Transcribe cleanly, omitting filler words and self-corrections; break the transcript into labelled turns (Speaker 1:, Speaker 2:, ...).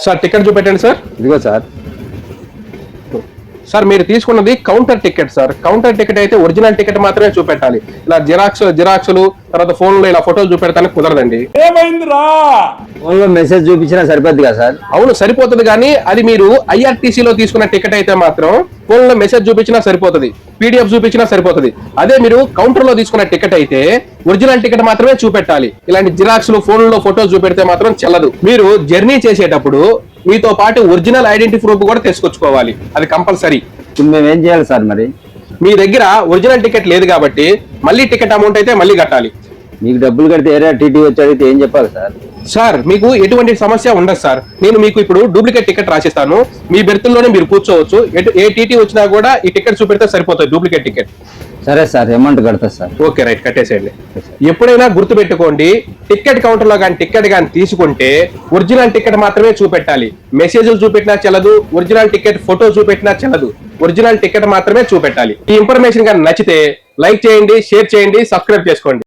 Speaker 1: Sir ticket చూపెట్టండి sir.
Speaker 2: ఇదిగో sir.
Speaker 1: Sir మీరు తీసుకున్నది counter ticket sir. Counter ticket అయితే ఒరిజినల్ టికెట్ మాత్రమే చూపెట్టాలి. ఇలా జిరాక్స్లు తర్వాత ఫోన్ లో ఇలా ఫోటోలు చూపెడతానికి కుదరదండి.
Speaker 3: ఏమైందిరా?
Speaker 2: ఫోన్ లో మెసేజ్ చూపించినా సరిపోద్ది కదా సార్?
Speaker 1: అవును సరిపోతుంది, కానీ అది మీరు ఐఆర్టీసీ లో తీసుకున్న టికెట్ అయితే మాత్రం ఫోన్ లో మెసేజ్ చూపించినా సరిపోతుంది, పీడిఎఫ్ చూపించినా సరిపోతుంది. అదే మీరు కౌంటర్ లో తీసుకున్న టికెట్ అయితే ఒరిజినల్ టికెట్ మాత్రమే చూపెట్టాలి. ఇలాంటి జిరాక్స్లు ఫోన్ లో ఫోటోలు చూపెడితే మాత్రం చెల్లదు. మీరు జర్నీ చేసేటప్పుడు మీతో పాటు ఒరిజినల్ ఐడెంటిటీ ప్రూఫ్ కూడా తీసుకొచ్చుకోవాలి, అది కంపల్సరీ.
Speaker 2: ఇప్పుడు మేము ఏం చేయాలి సార్? మరి
Speaker 1: మీ దగ్గర ఒరిజినల్ టికెట్ లేదు కాబట్టి మళ్ళీ టికెట్ అమౌంట్ అయితే మళ్ళీ కట్టాలి.
Speaker 2: మీకు డబ్బులు కడితే ఏరియా టీటీ వచ్చి అడిగితే ఏం చెప్పాలి సార్?
Speaker 1: సార్ మీకు ఎటువంటి సమస్య ఉండదు సార్. నేను మీకు ఇప్పుడు డూప్లికేట్ టికెట్ రాసిస్తాను. మీ బెర్తుల్లోనే మీరు కూర్చోవచ్చు. ఏ టీటీ వచ్చినా కూడా ఈ టికెట్ చూపెడితే సరిపోతుంది, డూప్లికేట్ టికెట్.
Speaker 2: సరే సార్, అమౌంట్ కడతా సార్.
Speaker 1: ఓకే రైట్, కట్టేసేయండి. ఎప్పుడైనా గుర్తు పెట్టుకోండి, టికెట్ కౌంటర్ లో కానీ టికెట్ కానీ తీసుకుంటే ఒరిజినల్ టికెట్ మాత్రమే చూపెట్టాలి. మెసేజ్లు చూపెట్టినా చెల్లదు, ఒరిజినల్ టికెట్ ఫోటో చూపెట్టినా చెల్లదు. ఒరిజినల్ టికెట్ మాత్రమే చూపెట్టాలి. ఈ ఇన్ఫర్మేషన్ కానీ నచ్చితే లైక్ చేయండి, షేర్ చేయండి, సబ్స్క్రైబ్ చేసుకోండి.